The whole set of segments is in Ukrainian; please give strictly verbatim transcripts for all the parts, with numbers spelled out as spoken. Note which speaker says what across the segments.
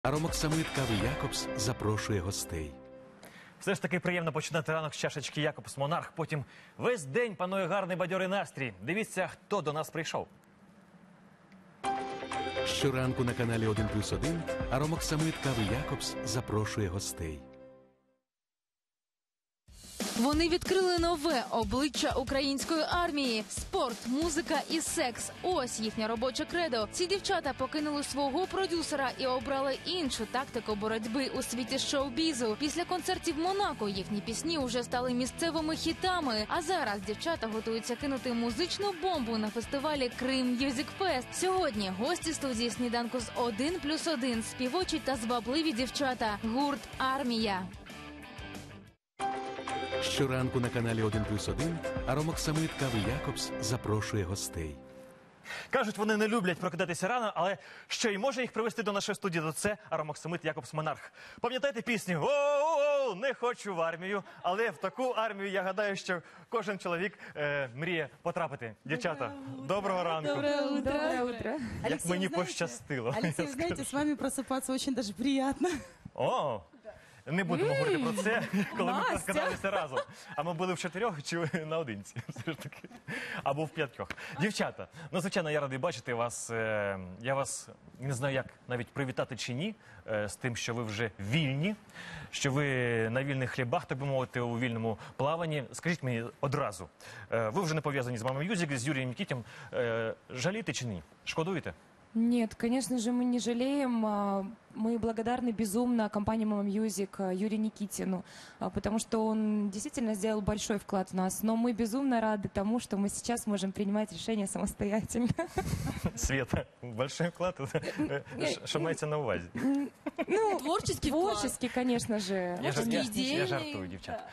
Speaker 1: Аромоксамит кави Якобс запрошує гостей.
Speaker 2: Все ж таки приємно починати ранок з чашечки Якобс Монарх. Потім весь день панує гарний бадьорий настрій. Дивіться, хто до нас прийшов.
Speaker 1: Щоранку на каналі один плюс один Аромоксамит кави Якобс запрошує гостей.
Speaker 3: Вони відкрили нове обличчя української армії. Спорт, музика і секс – ось їхнє робоче кредо. Ці дівчата покинули свого продюсера і обрали іншу тактику боротьби у світі шоу-бізу. Після концертів Монако їхні пісні вже стали місцевими хітами. А зараз дівчата готуються кинути музичну бомбу на фестивалі Крим М'юзік Фест. Сьогодні гості студії сніданку з один плюс один – співочі та звабливі дівчата. Гурт «Армія».
Speaker 1: Щоранку на каналі один плюс один Аромоксамит кави Якобс запрошує гостей.
Speaker 2: Кажуть, вони не люблять прокидатися рано, але що й може їх привести до нашої студії, то це Аромоксамит Якобс Монарх. Пам'ятаєте пісню «О-о-о, не хочу в армію», але в таку армію, я гадаю, що кожен чоловік е, мріє потрапити. Дівчата, доброго ранку.
Speaker 4: Доброе утро.
Speaker 5: Доброе утро.
Speaker 2: Як
Speaker 4: Алексей,
Speaker 2: мені
Speaker 4: знаете,
Speaker 2: пощастило.
Speaker 4: Алексей, знаете, с вами просыпаться очень даже приятно.
Speaker 2: О, не будемо говорити про це, коли ми прокидалися разом. А ми були в чотирьох чи наодинці, все ж таки. Або в п'ятьох. Дівчата, ну, звичайно, я радий бачити вас. е, Я вас не знаю, як навіть привітати чи ні, е, з тим, що ви вже вільні, що ви на вільних хлібах, так би мовити, у вільному плаванні. Скажіть мені одразу, е, ви вже не пов'язані з Мама М'юзик, з Юрієм Нікітєм. Е, Жалієте чи ні? Шкодуєте?
Speaker 5: Нет, конечно же, мы не жалеем. а, Мы благодарны безумно компании Mama Music, а, Юрию Никитину, а, потому что он действительно сделал большой вклад в нас. Но мы безумно рады тому, что мы сейчас можем принимать решения самостоятельно.
Speaker 2: Света, большой вклад. Що мається на увазі?
Speaker 5: Ну,
Speaker 4: Творческий вклад.
Speaker 5: творческий, конечно же.
Speaker 2: Я, жар... я,
Speaker 4: ідейний.
Speaker 2: я жартую, дівчата.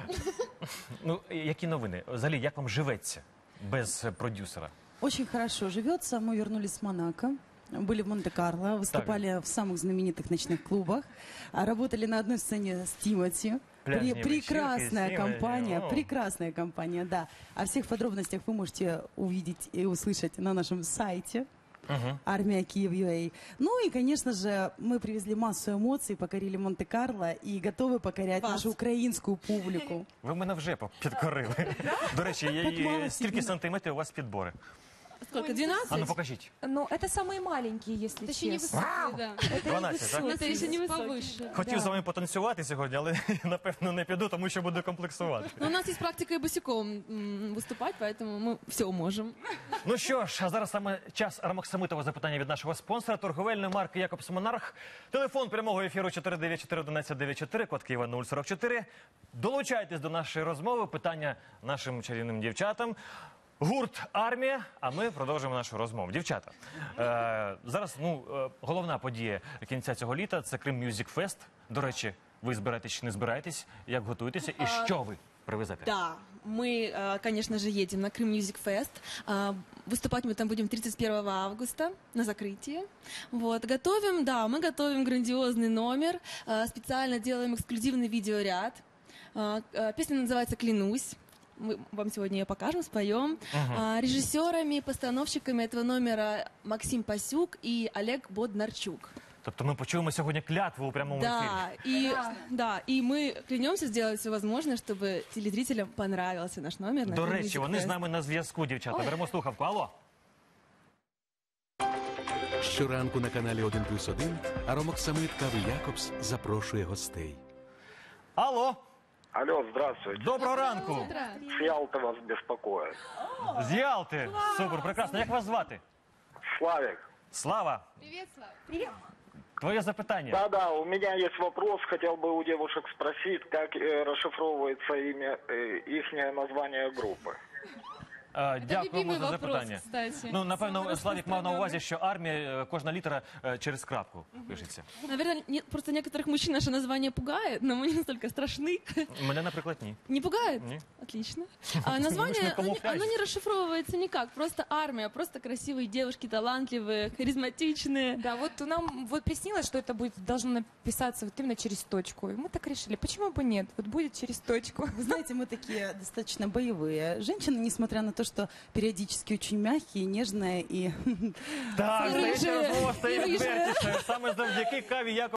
Speaker 2: Ну, які новини? Взагалі, як вам живеться без продюсера?
Speaker 4: Очень хорошо живется. Мы вернулись с Монако. Были в Монте-Карло, выступали в самых знаменитых ночных клубах, а работали на одной сцене с Тимати.
Speaker 2: Пляжные
Speaker 4: Пре- прекрасная
Speaker 2: вечерки,
Speaker 4: компания,
Speaker 2: Тимати, о.
Speaker 4: прекрасная компания, да. О всех подробностях вы можете увидеть и услышать на нашем сайте
Speaker 2: Угу.
Speaker 4: Армия Киев.ua. Ну и, конечно же, мы привезли массу эмоций, покорили Монте-Карло и готовы покорять
Speaker 6: Вас.
Speaker 4: нашу украинскую публику.
Speaker 2: Ви мене вже підкорили. До речі, я,
Speaker 4: Так мало
Speaker 2: я, скільки
Speaker 4: сильно.
Speaker 2: сантиметрів у вас підбори?
Speaker 6: Сколько? двенадцать?
Speaker 2: А ну покажіть.
Speaker 5: Ну, это самые маленькие, если
Speaker 6: Это еще не
Speaker 5: честно.
Speaker 6: высокие, да.
Speaker 2: дванадцять, так?
Speaker 6: Это еще не повыше.
Speaker 2: Хотів
Speaker 5: Да.
Speaker 2: з вами потанцювати сьогодні, але напевно не піду, тому що буду комплексувати.
Speaker 6: Но у нас есть практика и босиком м, выступать, поэтому мы все можем.
Speaker 2: Ну що ж, а зараз саме час аромоксамитового запитання від нашого спонсора, торговельної марки Якобс Монарх. Телефон прямого ефіру чотири дев'ять чотири одинадцять дев'ять чотири, код Києва нуль сорок чотири. Долучайтесь до нашої розмови, питання нашим чарівним дівчатам. Гурт «Армія», а ми продовжуємо нашу розмову. Дівчата, е, зараз ну, е, головна подія кінця цього літа – це Крим М'юзік Фест. До речі, ви збираєтесь чи не збираєтесь? Як готуєтеся? І що ви привезете?
Speaker 6: Да, мы, э, конечно же, едем на Крым Мьюзик Фест. А, Выступать мы там будем тридцать первого августа на закрытии. Вот. Готовим, да, мы готовим грандиозный номер, э, специально делаем эксклюзивный видеоряд. А, э, Песня называется «Клянусь». Мы вам сегодня ее покажем, споем. А, Режиссерами, постановщиками этого номера Максим Пасюк и Олег Боднарчук.
Speaker 2: Тобто ми почуємо сьогодні клятву у прямому ефірі.
Speaker 6: Да, и, да, и мы клянемся сделать все возможное, чтобы телезрителям понравился наш номер. на
Speaker 2: До
Speaker 6: Крым
Speaker 2: речі,
Speaker 6: Music
Speaker 2: вони з
Speaker 6: Fest.
Speaker 2: нами на зв'язку, дівчата. Беремо слухавку. Алло.
Speaker 1: Щоранку на каналі один плюс один Аромоксамит кави Якобс запрошує гостей.
Speaker 2: Алло.
Speaker 7: Алло, здравствуйте.
Speaker 2: Доброго ранку.
Speaker 7: С Ялты вас беспокоит.
Speaker 2: З Ялти. Супер, прекрасно. Як вас звати?
Speaker 7: Славик.
Speaker 2: Слава. Твоє запитання.
Speaker 7: Да-да, у меня есть вопрос. Хотел бы у девушек спросить, как э, расшифровывается имя, э, ихнее название группы.
Speaker 2: Е, Дякуємо
Speaker 6: любимий
Speaker 2: за
Speaker 6: вопрос,
Speaker 2: запитання.
Speaker 6: кстати.
Speaker 2: Ну, напевно,
Speaker 6: Самый
Speaker 2: Славік мав на
Speaker 6: распространенный.
Speaker 2: увазі, що армія, е, кожна літера е, через крапку пишеться.
Speaker 6: Наверное, не- просто некоторых мужчин наше название пугает, но мы не настолько страшны.
Speaker 2: Мене, наприклад, ні.
Speaker 6: Не пугает?
Speaker 2: Не.
Speaker 6: Отлично. А название, оно,
Speaker 2: камуфляж.
Speaker 6: оно не расшифровывается никак. Просто армия, просто красивые девушки, талантливые, харизматичные.
Speaker 5: Да, вот нам вот приснилось, что это будет должно написаться вот именно через точку. И мы так решили, почему бы нет? Вот будет через точку.
Speaker 4: Вы знаете, мы такие достаточно боевые женщины, несмотря на то, то, что периодически очень мягкие, нежные и...
Speaker 2: Так,
Speaker 5: Рыжие.
Speaker 2: здається, розмова стає
Speaker 5: Рыжие.
Speaker 2: відвертішою. Саме завдяки Каві Якобс